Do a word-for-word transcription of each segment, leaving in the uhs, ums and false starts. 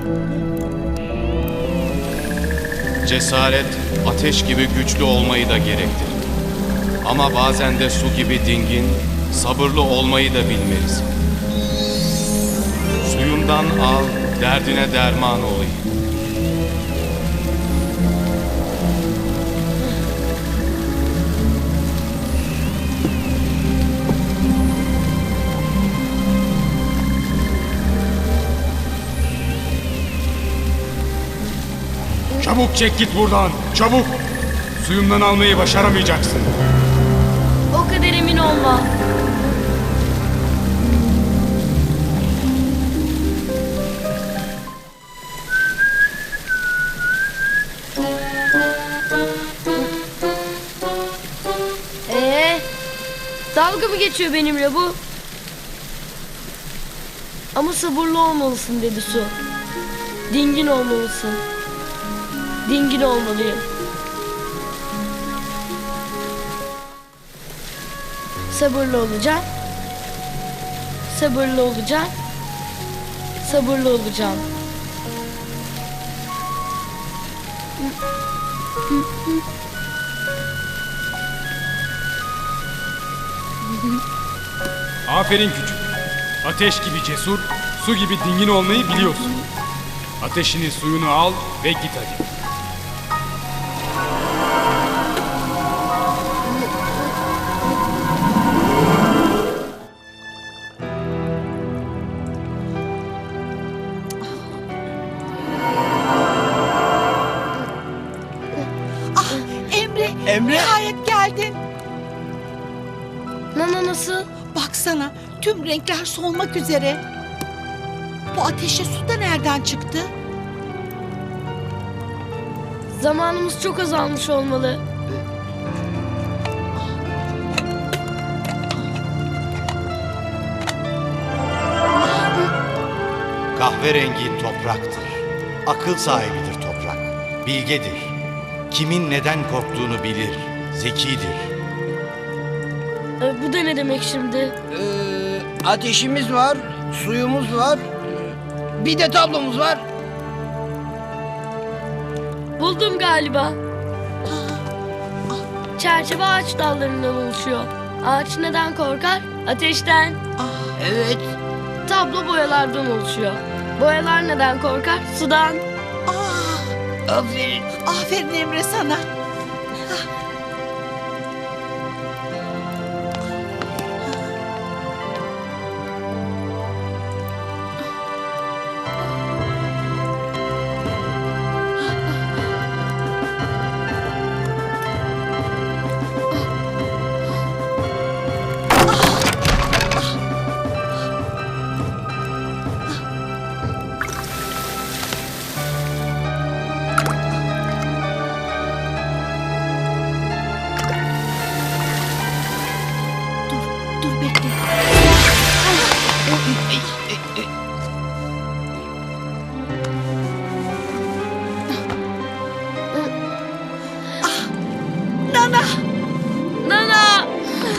Cesaret, ateş gibi güçlü olmayı da gerektirir. Ama bazen de su gibi dingin, sabırlı olmayı da bilmelisin. Suyumdan al, derdine derman olayım. Çabuk çek git buradan, çabuk! Suyumdan almayı başaramayacaksın. O kadar emin olma. Ee, dalga mı geçiyor benimle bu? Ama sabırlı olmalısın dedi su. Dingin olmalısın. Dingin olmalıyım. Sabırlı olacağım. Sabırlı olacağım. Sabırlı olacağım. Aferin küçük. Ateş gibi cesur, su gibi dingin olmayı biliyorsun. Ateşini suyunu al ve git hadi. Emre, Emre. nihayet geldin. Nana nasıl? Baksana, tüm renkler solmak üzere. Bu ateşe su da nereden çıktı? Zamanımız çok azalmış olmalı. Kahverengi topraktır. Akıl sahibidir toprak. Bilgedir. Kimin neden korktuğunu bilir. Zekidir. Ee, bu da ne demek şimdi? Ee, ateşimiz var, suyumuz var, ee, bir de tablomuz var. Buldum galiba. Çerçeve ağaç dallarından oluşuyor. Ağaç neden korkar? Ateşten. Evet, Tablo boyalardan oluşuyor. Boyalar neden korkar? Sudan. Aa, aferin. aferin Emre sana. Dur, dur bekle. Nana, Nana!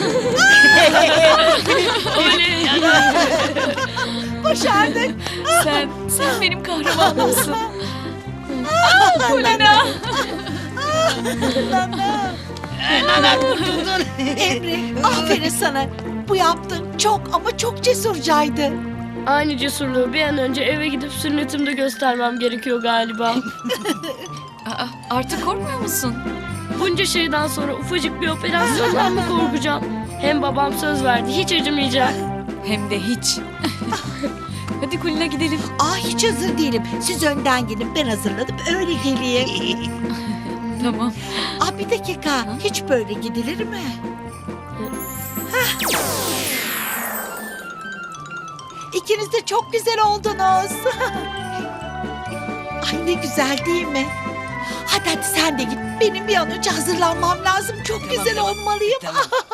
Oley! başardık. Sen, sen benim kahramanımsın. Kulina. Emre, aferin sana. Bu yaptığın çok ama çok cesurcaydı. Aynı cesurluğu bir an önce eve gidip sünnetimde göstermem gerekiyor galiba. Aa, artık korkmuyor musun? Bunca şeyden sonra ufacık bir operasyondan mı korkacağım? Hem babam söz verdi, hiç acımayacak. Hem de hiç. Hadi Kulina gidelim. Aa, hiç hazır değilim. Siz önden gidin, ben hazırladım öyle geleyim. Tamam. Aa, bir dakika, hiç böyle gidilir mi? Hah. İkiniz de çok güzel oldunuz. Ay ne güzel değil mi? Hadi hadi sen de git. Benim bir an önce hazırlanmam lazım. Çok güzel olmalıyım. Tamam.